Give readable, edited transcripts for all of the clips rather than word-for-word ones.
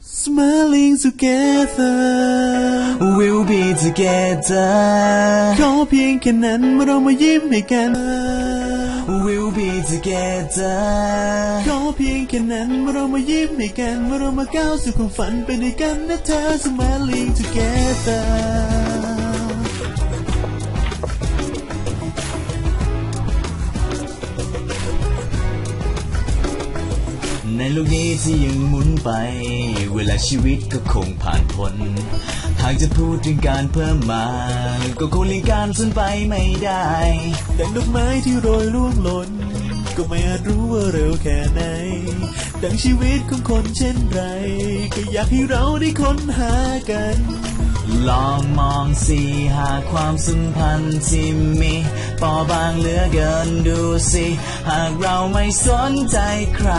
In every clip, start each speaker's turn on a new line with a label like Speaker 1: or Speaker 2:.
Speaker 1: Smiling together
Speaker 2: We'll be together
Speaker 1: ขอเพียงแค่นั้นเมื่อเรามายิ้มให้กัน
Speaker 2: We'll be together
Speaker 1: ขอเพียงแค่นั้นเมื่อเรามายิ้มให้กันเมื่อเรามาก้าวสู่ความฝันไปด้วยกันนะเธอ Smiling together
Speaker 2: ในโลกนี้ที่ยังหมุนไปเวลาชีวิตก็คงผ่านพ้นหากจะพูดถึงการเพิ่มมาก็คงหลีกการสูญไปไม่ได้
Speaker 1: ดังดอกไม้ที่โรยร่วงหล่นก็ไม่อาจรู้ว่าเร็วแค่ไหนดังชีวิตของคนเช่นไรก็อยากให้เราได้ค้นหากัน
Speaker 2: ลองมองสิหาความสัมพันธ์ที่มีปอบางเหลือเกินดูสิหากเราไม่สนใจใคร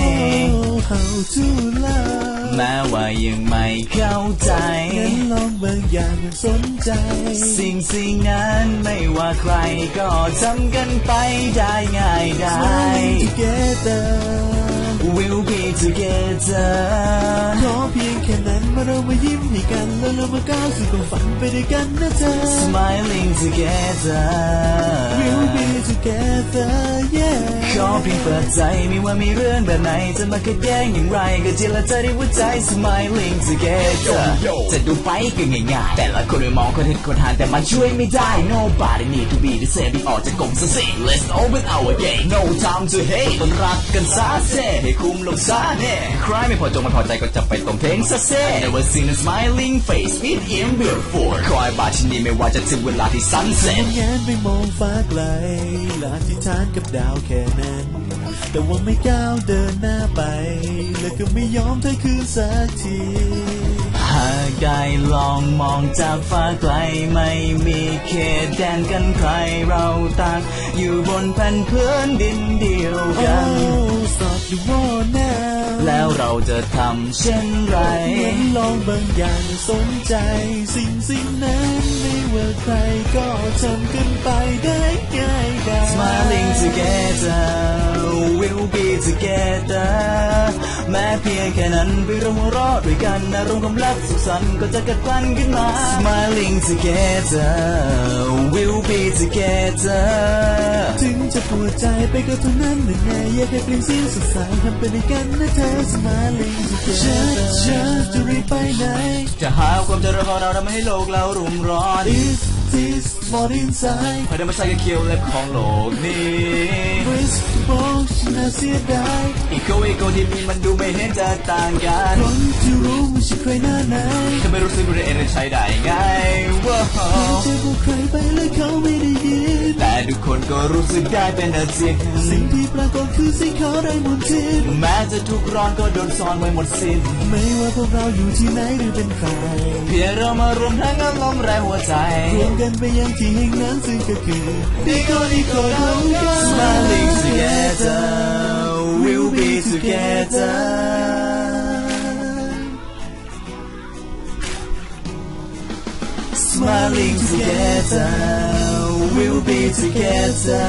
Speaker 1: Oh how to love
Speaker 2: แม้ว่ายังไม่เข้าใจ
Speaker 1: งั้นลองบางอย่างมันสนใจ
Speaker 2: สิ่งนั้นไม่ว่าใครก็ทำกันไปได้ง่ายได้
Speaker 1: Smiling together
Speaker 2: We'll be together
Speaker 1: ขอเพียงแค่นั้นเมื่อเรามายิ้มให้กันแล้วเรามาก้าวสู่ความฝันไปด้วยกันนะเธอ
Speaker 2: Smiling together
Speaker 1: We'll be together yeah
Speaker 2: ขอเพียงเปิดใจไม่ว่ามีเรื่องแบบไหนจะมาขัดแย้งอย่างไรก็เจรจาด้วยหัวใจ Smiling together จะดูไปก็ง่ายๆแต่ละคนไม่มองคนเห็นคนหานแต่มันช่วยไม่ได้ Nobody need to be the same ที่ออกจากกรงซะสิ Let's open our gate No time to hate ต้องรักกันซะเซ่ให้คุ้มลงซะแน่ใครไม่พอจงไม่พอใจก็จะไปตรงเทงซะเซ่ Never seen a smiling face with him before คอยบาชินีไม่ว่าจะถึงเวลาที่ sunset
Speaker 1: แงนไปมองฟ้าไกลและอธิษฐานกับดาวแค่นั้นแต่ว่าไม่ก้าวเดินหน้าไปแล้วก็ไม่ยอมถอยคืนสักที
Speaker 2: หากได้ลองมองจากฟ้าไกลไม่มีเขตแดนกันใครเราต่างอยู่บนแผ่นพื้นดินเดียวกัน
Speaker 1: Oh stop the war now
Speaker 2: แล้วเราจะทำเช่นไร
Speaker 1: งั้นลองบางอย่างสนใจสิ่งนั้นไม่ว่าใครก็ทำกันไปได้ง่ายได้
Speaker 2: Smiling together We'll be together แม้เพียงแค่นั้นไปร่วมหัวเราะด้วยกันอารมณ์ความรักสุขสันต์ก็จะเกิดพลันขึ้นมา Smiling together We'll be together
Speaker 1: ถึงจะปวดใจไปก็เท่านั้นหรือไงอยากให้เปลี่ยนเสียงสดใสทำไปด้วยกันนะเธอ Smiling together จะรีบไปไหน
Speaker 2: จะหาความเจริญของเราทำให้โลกเรารุ่มร้อน
Speaker 1: This more inside
Speaker 2: พอได้มาใช้กับเคียวเล็บของโลกนี้
Speaker 1: Risk บอกฉันน่าเสียดาย
Speaker 2: อีโก้ที่มีมันดูไม่เห็นจะต่างกัน
Speaker 1: คนที่รู้ไม่ใช่ใครหน้าไหน
Speaker 2: จะไม่รู้สึกว่าเองจะใช้ได้ไงว้าว
Speaker 1: เธอบอกใครไปแล้วเขาไม่ได้ยิน
Speaker 2: แต่ทุกคนก็รู้สึกได้เป็นจริง
Speaker 1: สิ่งที่ปรากฏคือสิ่งเขาได้หมดสิ้น
Speaker 2: แม้จะทุกร้อนก็โดนซ่อนไว้หมดสิ้น
Speaker 1: ไม่ว่าพวกเราอยู่ที่ไหนหรือเป็นใคร
Speaker 2: เพียงเรามารวมทั้งอารมณ์แรงหัวใจ
Speaker 1: รวมกันไปยังที่แห่งนั้นซึ่งก็คือดีก็เรากัน
Speaker 2: Smiling together We'll be together Smiling together We'll be together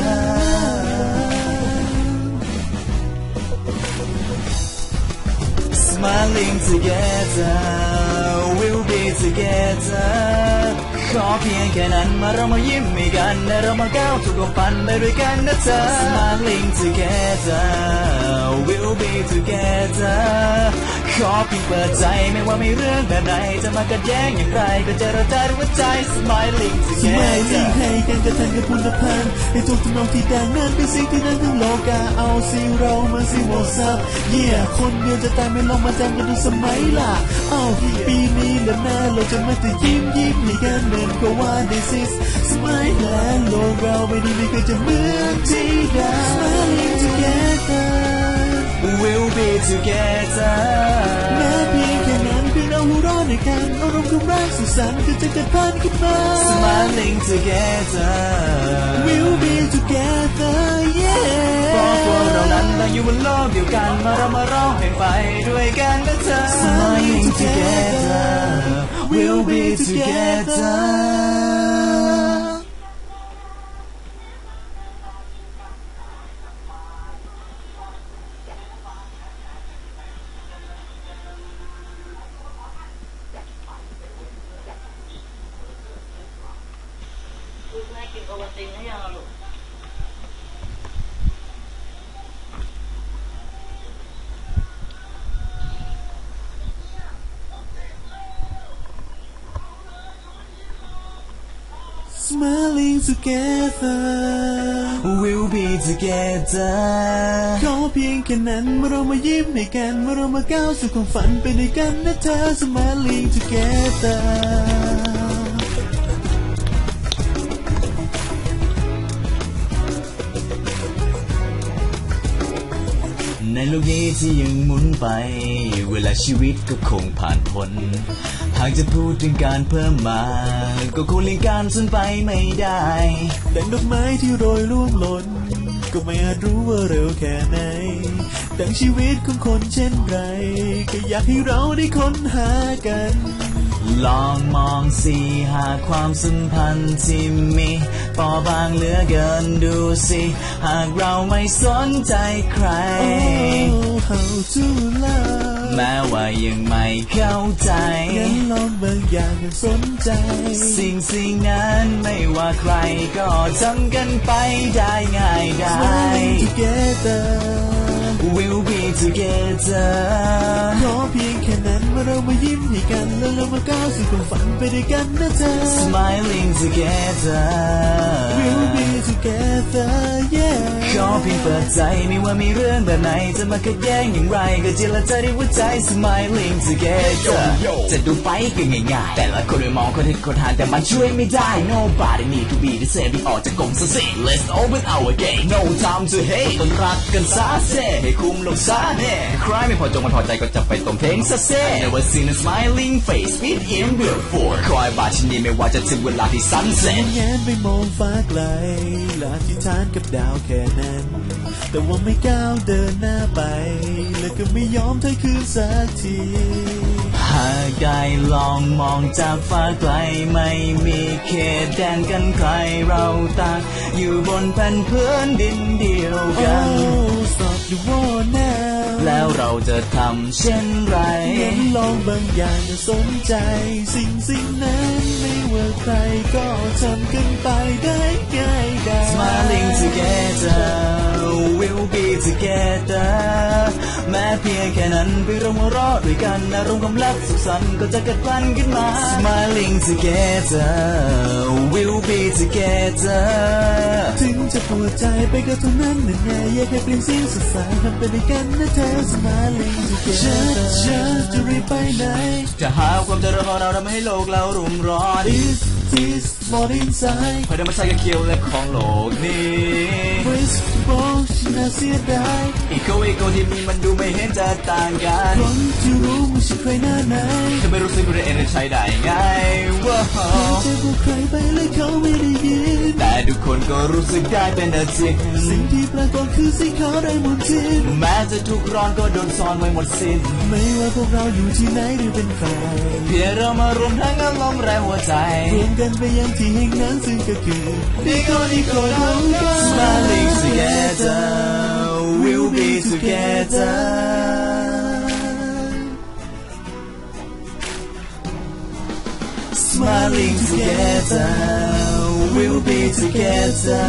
Speaker 2: Smiling together We'll be together ขอเพียงแค่นั้นมาเรามายิ้มให้กันและเรามาก้าวสู่ความฝันไปด้วยกันนะเธอ Smiling together We'll be together ขอเพียงเปิดใจไม่ว่ามีเรื่องแบบไหนจะมากัดแย้งอย่างไรก็เจรจาด้วยหัวใจ Smiling together
Speaker 1: ให้กันกระทันกับคุณพันธ์ให้ทุกทำนองที่ดังนั้นเป็นสิ่งที่นั้นทั้งโลกาเอาสิเรามาสิโมซับคนเดียวจะตายไม่ลองมาจำกันดูสมัยล่ะปีนี้และหน้าเราจะมาแต่ยิ้มให้กันเหมือนกับว่า This is smile และโลกเราไม่เคยจะเหมือนที่ใด Smiling together
Speaker 2: We'll be together
Speaker 1: แม้เพียงแค่นั้นเพียงเราหัวเราะด้วยกันอารมณ์ความรักสุขสันต์ก็จะเกิดพันขึ้นมา
Speaker 2: Smiling together
Speaker 1: We'll be together yeah
Speaker 2: เพราะพวกเรานั้นต่างอยู่บนโลกเดียวกันมาเรามาร้องเพลงไปด้วยกันนะเธอ
Speaker 1: Smiling together
Speaker 2: We'll be together
Speaker 1: Smiling together
Speaker 2: We'll be together
Speaker 1: ขอเพียงแค่นั้นเมื่อเรามายิ้มให้กันเมื่อเรามาก้าวสู่ความฝันไปด้วยกันนะเธอ Smiling together
Speaker 2: ในโลกนี้ที่ยังหมุนไปเวลาชีวิตก็คงผ่านพ้นหากจะพูดถึงการเพิ่มมาก็คงเลี่ยงการสูญไปไม่ได้
Speaker 1: ดังดอกไม้ที่โรยร่วงหล่นก็ไม่อาจรู้ว่าเร็วแค่ไหนดังชีวิตของคนเช่นไรก็อยากให้เราได้ค้นหากัน
Speaker 2: ลองมองสิหากความสัมพันธ์ที่มีเบาบางเหลือเกินดูสิหากเราไม่สนใจใคร
Speaker 1: Oh how to love
Speaker 2: แม้ว่ายังไม่เข้าใจ
Speaker 1: งั้นลองบางอย่างให้สนใจ
Speaker 2: สิ่งนั้นไม่ว่าใครก็ทำกันไปได้ง่ายได้
Speaker 1: Smiling together
Speaker 2: We'll be together
Speaker 1: ขอเพียงแค่นั้นเมื่อเรามายิ้มให้กันแล้วเรามาก้าวสู่ความฝันไปด้วยกันนะเธอ
Speaker 2: Smiling together
Speaker 1: We'll be together yeah
Speaker 2: ขอเพียงเปิดใจไม่ว่ามีเรื่องแบบไหนจะมาขัดแย้งอย่างไรก็เจรจาด้วยหัวใจ Smiling together จะดูไปก็ง่ายๆแต่ละคนไม่มองคนเห็นคนหานแต่มันช่วยไม่ได้ Nobody need to be the same ที่ออกจากกรงซะสิ Let's open our gate No time to hate ต้นรักกันซะเซ่ให้คุ้มลงซะแน่ใครไม่พอจงไม่พอใจก็จะไปตรงเทงซะเซ่ Never seen a smiling face with him before คอยบาชินดีไม่ว่าจะถึงเวลาที่ sunset
Speaker 1: แงนไปมองฟ้าไกลและอธิษฐานกับดาวแค่นั้นแต่ว่าไม่ก้าวเดินหน้าไปและก็ไม่ยอมถอยคืนสักที
Speaker 2: หากได้ลองมองจากฟ้าไกลไม่มีเขตแดนกันใครเราต่างอยู่บนแผ่นพื้นดินเดียวกัน
Speaker 1: Oh stop the war now
Speaker 2: แล้วเราจะทำเช่นไร
Speaker 1: งั้นลองบางอย่างจะสนใจสิ่งนั้นไม่ว่าใครก็ทำกันไปได้ง่ายได้
Speaker 2: Smiling together We'll be together แม้เพียงแค่นั้นไปเราหัวเราะด้วยกันอารมณ์ความรักสุขสันต์ก็จะเกิดพลันขึ้นมา Smiling together We'll be together
Speaker 1: ถึงจะปวดใจไปก็เท่านั้นนั่นไงอยากให้เปลี่ยนเสียงสดใสทำไปด้วยกันนะเธอ Smiling together จะรีบไปไหน
Speaker 2: จะหาความเจริญของเราทำให้โลกเรารุ่มร้อน
Speaker 1: This what inside
Speaker 2: เพื่อธรรมชาติกับเกี่ยวและของโลกนี้
Speaker 1: Whisper ฉันน่าเสียดาย
Speaker 2: อีโคที่มีมันดูไม่เห็นจะต่างกัน
Speaker 1: คนที่รู้ว่าฉันใครหน้าไหน
Speaker 2: จะไม่รู้สึกว่าเองจะใช้ได้ไงว้าว
Speaker 1: จะบอกใครไปเลยเขาไม่ได้ยิน
Speaker 2: แต่ทุกคนก็รู้สึกได้เป็นอาทิตย์
Speaker 1: สิ่งที่ปรากฏคือสิ่งเขาได้หมดสิ้น
Speaker 2: แม้จะทุกร้อนก็โดนซ่อนไว้หมดสิ้น
Speaker 1: ไม่ว่าพวกเราอยู่ที่ไหนหรือเป็นใคร
Speaker 2: เพียงเรามารวมทั้งอารมณ์แรงหัวใจ
Speaker 1: รวมกันไปยังที่แห่งนั้นซึ่งก็คือดีคนเท่ากัน
Speaker 2: Smiling together We'll be together Smiling together We'll be together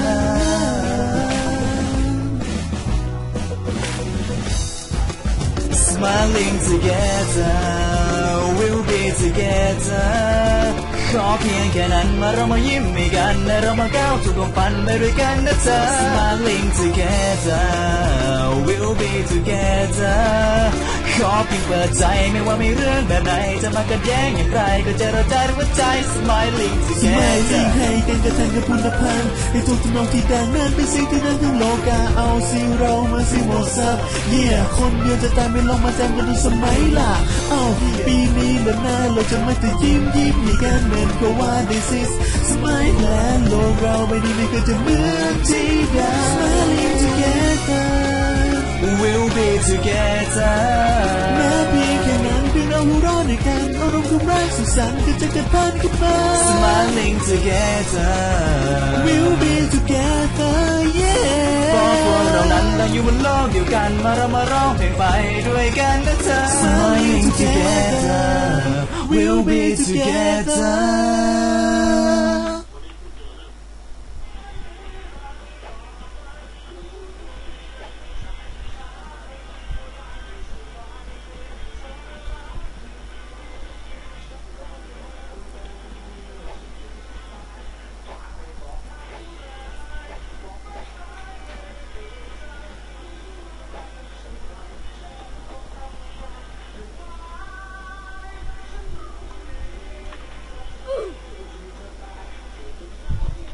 Speaker 2: Smiling together We'll be together ขอเพียงแค่นั้นมาเรามายิ้มให้กันและเรามาก้าวสู่ความฝันไปด้วยกันนะเธอ Smiling together We'll be together ขอเพียงเปิดใจไม่ว่ามีเรื่องแบบไหนจะมาขัดแย้งอย่างไรก็เจรจาด้วยหัวใจ Smiling together
Speaker 1: ให้กันกระทั่งกับคุณภาพให้ทุกทำนองที่ดังนั้นเป็นสิ่งที่ดังทั้งโลกาเอาสิเรามาสิหมดซับคนเดียวจะตามไม่ลองมาจำกันดูสมัยล่ะปีนี้แล้วหน้าเราจะไม่แต่ยิ้มให้กันเหมือนกับว่า This is Smile และโลกเราไม่ได้ไม่เคยจะเหมือนที่ใด Smiling together
Speaker 2: We'll be together
Speaker 1: แม้เพียงแค่นั้นเพียงเราหัวเราะด้วยกันอารมณ์ความรักสุขสันต์ก็จะเกิดพันขึ้นมา
Speaker 2: Smiling together
Speaker 1: We'll be together yeah
Speaker 2: เพราะพวกเรานั้นเราอยู่บนโลกเดียวกันมาเรามาร้องเพลงไปด้วยกันนะเธอ Smiling together We'll be together